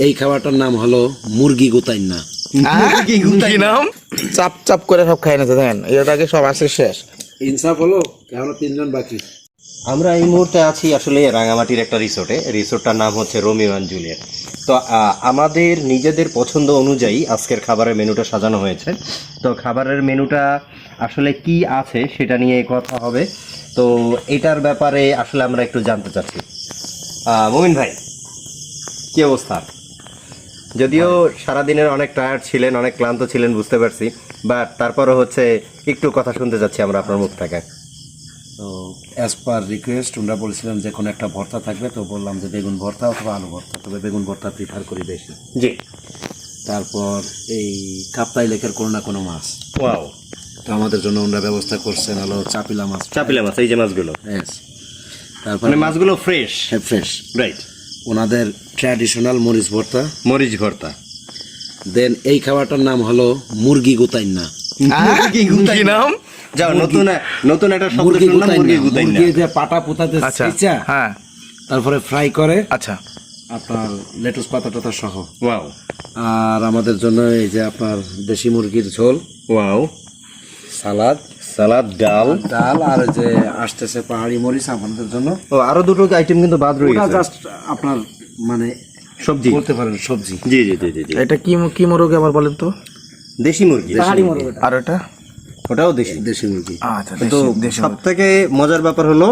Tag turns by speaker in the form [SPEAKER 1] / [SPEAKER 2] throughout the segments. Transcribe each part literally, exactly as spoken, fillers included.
[SPEAKER 1] এই খাবারটার নাম হলো মুরগি গুতাইন্না।
[SPEAKER 2] মুরগি গুতাই নাম চাপ চাপ করে সব খাই না দেখেন এটাকে সব আসে শেষ।
[SPEAKER 1] ইনসাফ হলো এখনো তিনজন বাকি।
[SPEAKER 3] আমরা এই মুহূর্তে আছি আসলে রাঙামাটির একটা রিসোর্টে। রিসোর্টটার নাম হচ্ছে রোমিও অ্যান্ড জুলিয়েট। তো আহ, আমাদের নিজেদের পছন্দ অনুযায়ী আজকের খাবারের মেনুটা সাজানো হয়েছে। তো খাবারের মেনুটা আসলে কি আছে সেটা নিয়ে কথা হবে। তো এটার ব্যাপারে আসলে আমরা একটু জানতে চাচ্ছি। আহ, মুমিন ভাই, কি অবস্থা? যদিও সারাদিনের অনেক টায়ার্ড ছিলেন, অনেক ক্লান্ত ছিলেন বুঝতে পারছি, বাট তারপরও হচ্ছে একটু কথা শুনতে যাচ্ছি আমরা আপনার মুখ থেকে।
[SPEAKER 1] তো অ্যাজ পার রিকোয়েস্ট আমরা বলছিলাম যে কোনো একটা ভর্তা থাকবে, তো বললাম যে বেগুন ভর্তা অথবা আলু ভর্তা, তবে বেগুন ভর্তা প্রিফার করি বেশি।
[SPEAKER 3] জি।
[SPEAKER 1] তারপর এই কাপ্তাই লেকের কোনো না কোনো মাছ,
[SPEAKER 3] ওয়াও।
[SPEAKER 1] তো আমাদের জন্য ওনারা ব্যবস্থা করছেন হলো চাপিলা মাছ।
[SPEAKER 3] চাপিলা মাছ, এই যে মাছগুলো,
[SPEAKER 1] Yes. তারপর
[SPEAKER 3] মানে মাছগুলো ফ্রেশ।
[SPEAKER 1] হ্যাঁ, ফ্রেশ।
[SPEAKER 3] রাইট।
[SPEAKER 1] ওনাদের ট্র্যাডিশনাল মরিচ ভর্তা।
[SPEAKER 3] মরিচ ভর্তা।
[SPEAKER 1] দেন এই খাবারটার নাম হলো মুরগি গুতাইন্না।
[SPEAKER 3] মুরগি গুতাই নাম। যাও, নতুন নতুন একটা শব্দ
[SPEAKER 1] মুরগি
[SPEAKER 3] শুনলাম, মুরগি
[SPEAKER 1] গুতাইন্না।
[SPEAKER 3] গুতাই
[SPEAKER 1] মুরগি যে পাটা পুতাতে
[SPEAKER 2] আচ্ছা
[SPEAKER 1] ছেঁচা,
[SPEAKER 2] হ্যাঁ
[SPEAKER 1] তারপরে ফ্রাই করে
[SPEAKER 2] আচ্ছা
[SPEAKER 1] আপনার লেটুস পাতা টাতা সহ।
[SPEAKER 3] ওয়াও।
[SPEAKER 1] আর আমাদের জন্য এই যে আপনার দেশি মুরগির ঝোল,
[SPEAKER 3] ওয়াও।
[SPEAKER 1] সালাদ,
[SPEAKER 3] সালাদ, ডাল।
[SPEAKER 1] ডাল, আর এই যে আসতেছে পাহাড়ি মরিচ আমাদের জন্য।
[SPEAKER 3] ও, আরো দুটো আইটেম কিন্তু বাদ রয়ে
[SPEAKER 1] ওটা
[SPEAKER 3] গেছে।
[SPEAKER 1] জাস্ট আপনার মানে
[SPEAKER 3] সবজি
[SPEAKER 1] বলতে পারেন সবজি।
[SPEAKER 3] জি জি জি জি জি।
[SPEAKER 2] এটা কি কি মুরগি আবার বলেন তো?
[SPEAKER 3] দেশি মুরগি।
[SPEAKER 2] আর এটা
[SPEAKER 3] ওটাও দেশি।
[SPEAKER 1] দেশি মুরগি।
[SPEAKER 2] আচ্ছা
[SPEAKER 3] তো সব থেকে মজার ব্যাপার হলো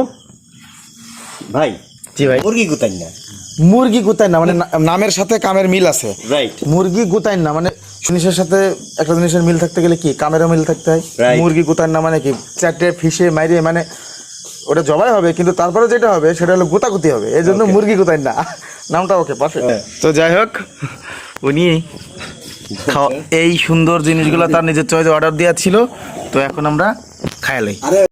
[SPEAKER 3] ভাই,
[SPEAKER 2] জি ভাই,
[SPEAKER 3] মুরগি গুতাই না।
[SPEAKER 2] মুরগি গুতাই না মানে না- নামের সাথে কামের মিল আছে।
[SPEAKER 3] রাইট।
[SPEAKER 2] মুরগি গুতাই না মানে জিনিসের সাথে একটা জিনিসের মিল থাকতে গেলে কি কামেরও মিল থাকতে হয়।
[SPEAKER 3] Right.
[SPEAKER 2] মুরগি গুতাই না মানে কি চারটে ফিশে মাইরে মানে ওটা জবাই হবে, কিন্তু তারপরে যেটা হবে সেটা হলো গোতাগুতি হবে, এই জন্য মুরগি গুতাই না নামটা। Okay, perfect. তো যাই হোক, উনি খাওয়া- এই সুন্দর জিনিসগুলো তার নিজের চয়েসে অর্ডার দেওয়া ছিল, তো এখন আমরা খাইলাই।